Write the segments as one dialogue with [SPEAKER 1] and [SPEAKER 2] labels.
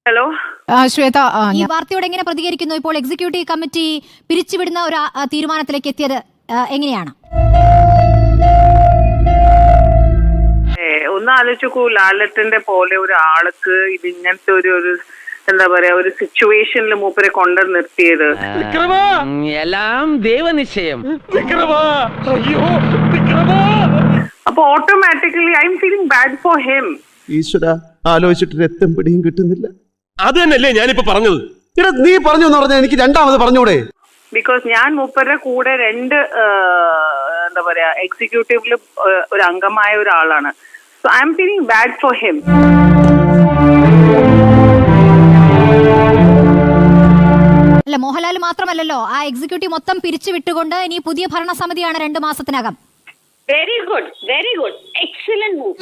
[SPEAKER 1] Hello
[SPEAKER 2] Shweta,
[SPEAKER 3] ഈ വാർത്തയോട് എങ്ങനെ പ്രതികരിക്കുന്നു? ഇപ്പോൾ എക്സിക്യൂട്ടീവ് കമ്മിറ്റി പിരിച്ചുവിടുന്ന ഒരു തീരുമാനത്തിലേക്ക് എത്തിയത് എങ്ങനെയാണ്?
[SPEAKER 1] ഒന്ന് ആലോചിക്കൂ, ലാലറ്റിന്റെ പോലെ ഒരാൾക്ക് ഇത് ഇങ്ങനത്തെ ഒരു എന്താ പറയാ ഒരു സിറ്റുവേഷനിൽ മൂപ്പരെ കൊണ്ടു നിർത്തിയത്.
[SPEAKER 4] എല്ലാം ദൈവനിശ്ചയം.
[SPEAKER 1] അപ്പൊ automatically I am feeling bad for him.
[SPEAKER 5] ഈശ്വര, ആലോചിച്ചിട്ട് രക്തം പിടിയും കിട്ടുന്നില്ല.
[SPEAKER 6] അത് തന്നെയല്ലേ ഞാനിപ്പോ പറഞ്ഞത്.
[SPEAKER 5] എടാ, നീ പറഞ്ഞു എന്ന് പറഞ്ഞാൽ എനിക്ക് രണ്ടാമത് പറഞ്ഞൂടെ?
[SPEAKER 1] ബിക്കോസ് ഞാൻ മൂപ്പരുടെ കൂടെ എന്താ പറയാ എക്സിക്യൂട്ടീവില് ഒരു അംഗമായ ഒരാളാണ്. So I am feeling bad for him.
[SPEAKER 3] അല്ല, മോഹൻലാൽ മാത്രമല്ലല്ലോ, ആ എക്സിക്യൂട്ടീവ് മൊത്തം പിരിച്ചു വിട്ടുകൊണ്ട് ഇനി പുതിയ ഭരണസമിതിയാണ് 2 മാസത്തിനകം.
[SPEAKER 7] Very good, very good, excellent move.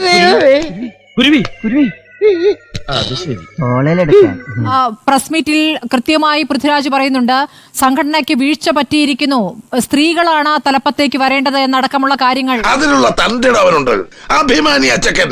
[SPEAKER 2] Press മീറ്റിൽ കൃത്യമായി പൃഥ്വിരാജ് പറയുന്നുണ്ട്, സംഘടനയ്ക്ക് വീഴ്ച പറ്റിയിരിക്കുന്നു, സ്ത്രീകളാണ് തലപ്പത്തേക്ക് വരേണ്ടത് എന്നടക്കമുള്ള കാര്യങ്ങൾ.
[SPEAKER 8] അതിനുള്ള തന്റെടവനുണ്ട് അഭിമാനി അച്ചക്കൻ.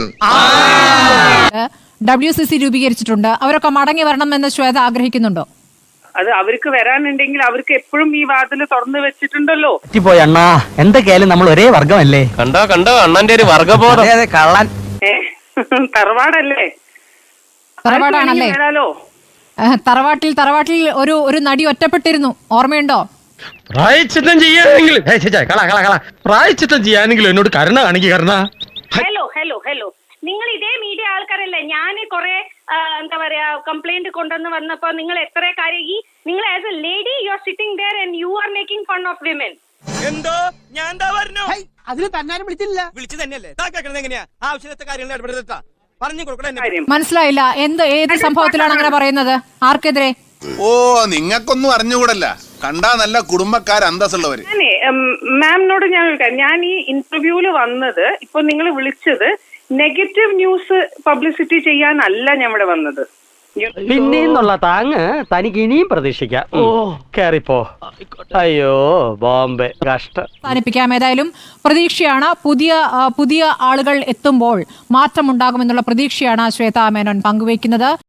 [SPEAKER 2] WCC രൂപീകരിച്ചിട്ടുണ്ട്. അവരൊക്കെ മടങ്ങി വരണമെന്ന് ശ്വേത ആഗ്രഹിക്കുന്നുണ്ടോ?
[SPEAKER 1] അത് അവർക്ക് വരാനുണ്ടെങ്കിൽ അവർക്ക് എപ്പോഴും ഈ വാതില് തുറന്നു വെച്ചിട്ടുണ്ടല്ലോ.
[SPEAKER 4] അണ്ണാ, എന്തൊക്കെയായാലും നമ്മൾ ഒരേ വർഗമല്ലേ?
[SPEAKER 6] കണ്ടോ അണ്ണന്റെ ഒരു വർഗബോധം.
[SPEAKER 4] കള്ളൻ.
[SPEAKER 1] തറവാടല്ലേ?
[SPEAKER 2] തറവാടാണല്ലേ? തറവാട്ടിൽ ഒരു നടി ഒറ്റപ്പെട്ടിരുന്നു, ഓർമ്മയുണ്ടോ?
[SPEAKER 6] പ്രായച്ചിത്തം ചെയ്യാനെങ്കിലും എന്നോട് കരുണ കാണിക്കുക. കരുണ.
[SPEAKER 7] ഹലോ, നിങ്ങൾ ഇതേ മീഡിയ ആൾക്കാരല്ലേ? ഞാൻ കുറെ എന്താ പറയാ കംപ്ലൈന്റ് കൊണ്ടുവന്ന് വന്നപ്പോ നിങ്ങൾ എത്ര കാര്യം നിങ്ങൾ as a lady you are sitting there and you are making fun of women.
[SPEAKER 9] എന്തോ ഞാൻ എന്താ പറഞ്ഞു? അതിന് തന്നാലും വിളിച്ചു തന്നെയല്ലേ? എങ്ങനെയാ ആവശ്യത്തെ കാര്യങ്ങൾ ഇടപെടുത്താ പറഞ്ഞു കൊടുക്കണേ.
[SPEAKER 2] മനസ്സിലായില്ല, ഏത് സംഭവത്തിലാണ് അങ്ങനെ പറയുന്നത്? ആർക്കെതിരെ?
[SPEAKER 8] ഓ, നിങ്ങൾക്കൊന്നും അറിഞ്ഞുകൂടല്ല. കണ്ടാ നല്ല കുടുംബക്കാർ അന്തസ്സുള്ളവര്.
[SPEAKER 1] മാമിനോട് ഞാൻ ഈ ഇന്റർവ്യൂല് വന്നത്, ഇപ്പൊ നിങ്ങൾ വിളിച്ചത് നെഗറ്റീവ് ന്യൂസ് പബ്ലിസിറ്റി ചെയ്യാനല്ല ഞാൻ ഇവിടെ വന്നത്.
[SPEAKER 4] പിന്നെന്നുള്ള താങ്ങ് തനിക്ക് ഇനിയും പ്രതീക്ഷിക്കാം. കേറിപ്പോ. അയ്യോ ബോംബെ, കഷ്ടം.
[SPEAKER 2] അവസാനിപ്പിക്കാം. ഏതായാലും പ്രതീക്ഷയാണ്, പുതിയ ആളുകൾ എത്തുമ്പോൾ മാറ്റമുണ്ടാകുമെന്നുള്ള പ്രതീക്ഷയാണ് ശ്വേതാ മേനോൻ പങ്കുവയ്ക്കുന്നത്.